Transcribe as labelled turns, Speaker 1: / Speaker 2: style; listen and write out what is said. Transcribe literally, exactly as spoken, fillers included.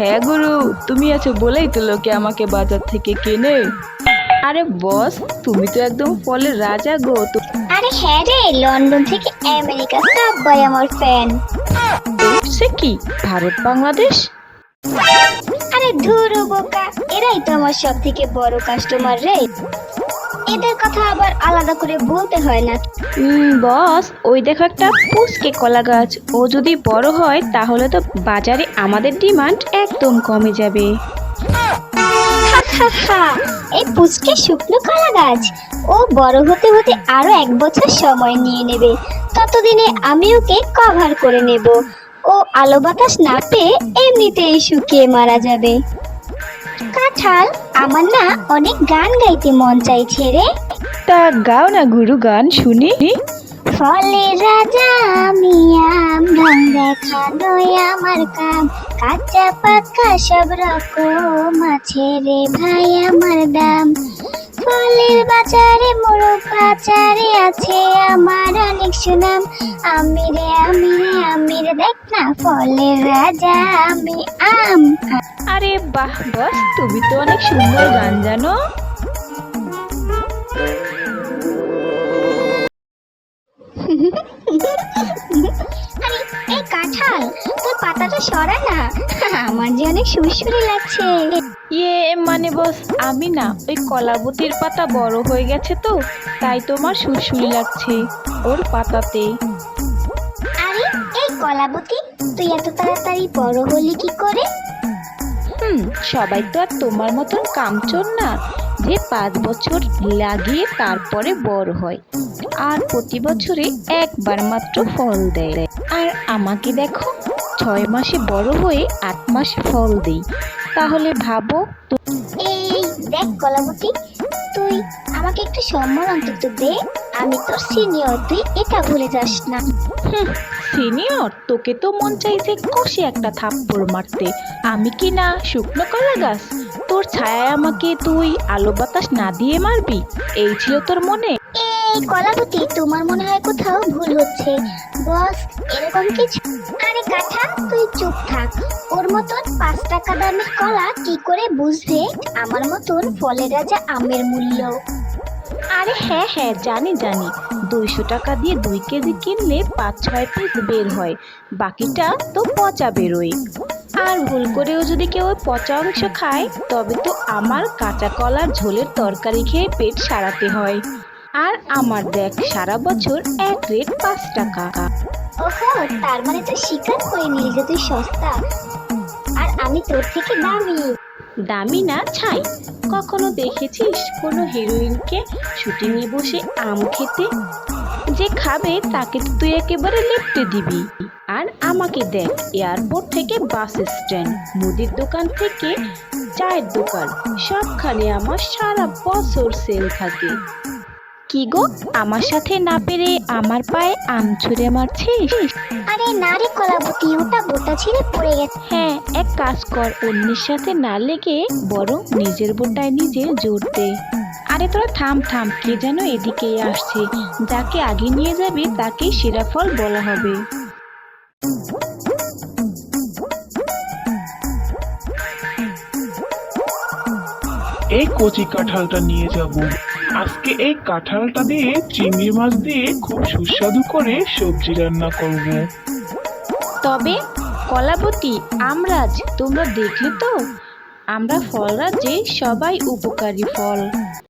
Speaker 1: হ্যাঁ গুরু, তুমি আছো বলেই তো লোকে আমাকে বাজার থেকে কেনে। আরে বস, তুমি তো একদম ফলের রাজা গো। তো-
Speaker 2: আরে হ্যাঁ রে, লন্ডন থেকে আমেরিকা সবাই আমার ফ্যান।
Speaker 1: সে কি, ভারত বাংলাদেশ?
Speaker 2: আরে ধুরু বোকা, এরাই তো আমার সব থেকে বড় কাস্টমার রে। এদের কথা আবার আলাদা করে বলতে হয় না।
Speaker 1: উম, বস, ওই দেখো একটা পুচকে কলা গাছ। ও যদি বড় হয় তাহলে তো বাজারে আমাদের ডিমান্ড একদম কমে যাবে।
Speaker 2: হা হা হা, এই পুচকে শুকনো কলা গাছ, ও বড় হতে হতে আরো এক বছর সময় নিয়ে নেবে। ততদিনে আমি ওকে কভার করে নেব। ও আলো বাতাস না পেয়ে এমনিতেই শুকিয়ে মারা যাবে। কাঁঠাল, আমার না অনেক গান গাইতে মন চাইছে রে।
Speaker 1: তা গাও না গুরু, গান শুনি।
Speaker 2: ফলের রাজা আমি, আম ঢং দেখানোই আমার কাম। কাঁচা পাকা সব রকম আছে রে ভাই আমার দাম। ফলের বাজারে মোড়ক বাজারে আছে আমার অনেক সুনাম। আমি রে আমি রে আমি রে, দেখ না ফলের রাজা আমি, আম।
Speaker 1: আরে বাহ বস, তুমি তো অনেক সুন্দর গান জানো।
Speaker 2: আরে এই কাঁঠাল, তোর পাতাটা সরা না, আমার যে অনেক সুরসুরি লাগছে।
Speaker 1: ইয়ে মানে বস, আমি না ওই কলাবতীর পাতা বড় হয়ে গেছে তো, তাই তোমার সুরসুরি লাগছে ওর পাতাতে।
Speaker 2: আরে এই কলাবতী, তুই এত তাড়াতাড়ি বড় হলি কি করে?
Speaker 1: হুম, সবাই তো আর তোমার মতন কামচোর না যে পাঁচ বছর লাগিয়ে তারপরে বড় হয় আর প্রতি বছরে একবার মাত্র ফল দেয়। আর আমাকে দেখো, ছয় মাসে বড় হয়ে আট মাসে ফল দেই। তাহলে ভাবো তো।
Speaker 2: এই দেখ কলাবতী, তুই আমাকে একটু সম্মান অন্তত দে। আমি তোর সিনিয়র, তুই এটা ভুলে যাস না।
Speaker 1: সিনিয়র, তোকে তো মন চাইছে কষে একটা থাপ্পড় মারতে। আমি কি না শুকনো কলা গাছ? তোর ছায়ায় আমাকে তুই আলো বাতাস না দিয়ে মারবি, এই ছিল তোর মনে?
Speaker 2: এই কলাবতী, তোমার মনে হয় কোথাও ভুল হচ্ছে। বস, এরকম কিছু। আরে কাঁঠাল, তুই চুপ থাক। ওর মতন পাঁচ টাকা দামের কলা কি করে বুঝবে আমার মতন ফলের রাজা আমের মূল্য?
Speaker 1: আরে হ্যাঁ হ্যাঁ, জানি জানি, দুইশো টাকা দিয়ে দুই কেজি কিনলে পাঁচ ছয় পিস বের হয়, বাকিটা তো পচা বেরোয়। আর ভুল করেও যদি কেউ ওই পচা অংশ খায়, তবে তো আমার কাঁচা কলার ঝোলের তরকারি খেয়ে পেট সারাতে হয়। আর আমার দেখ, সারা বছর এক রেট পাঁচ টাকা।
Speaker 2: ওহো, তার মানে তুই স্বীকার করে নিলি যে তুই সস্তা আর আমি তোর থেকে দামি।
Speaker 1: দামি না ছাই। কখনো দেখেছিস কোনো হিরোইনকে শুটিংয়ে বসে আম খেতে? যে খাবে তাকে তো তুই একেবারে লেপ্টে দিবি। আর আমাকে দেখ, এয়ারপোর্ট থেকে বাস স্ট্যান্ড, মুদির দোকান থেকে চায়ের দোকান, সবখানে আমার সারা বছর সেল থাকে। কি গো, আমার সাথে না পেরে আমার পায়ে আম ছুঁড়ে মারছিস?
Speaker 2: আরে না রে কলাবতী, ওটা বোটা ছিঁড়ে পড়ে গেছে।
Speaker 1: হ্যাঁ, এক কাজ কর, অন্যের সাথে না লেগে বরং নিজের বোটায় নিজে জোর দে। আরে তোরা থাম থাম, কে যেন এদিকেই আসছে। যাকে আগে নিয়ে যাবে তাকেই সেরা ফল বলা হবে।
Speaker 3: এই কচি কাঁঠালটা নিয়ে যাব। আজকে এই কাঁঠালটা দিয়ে চিংড়ি মাছ দিয়ে খুব সুস্বাদু করে সবজি রান্না করব।
Speaker 1: তবে কলাবতী, আমরাজ, তোমরা দেখলে তো, আমরা ফল রাজ্যে সবাই উপকারী ফল।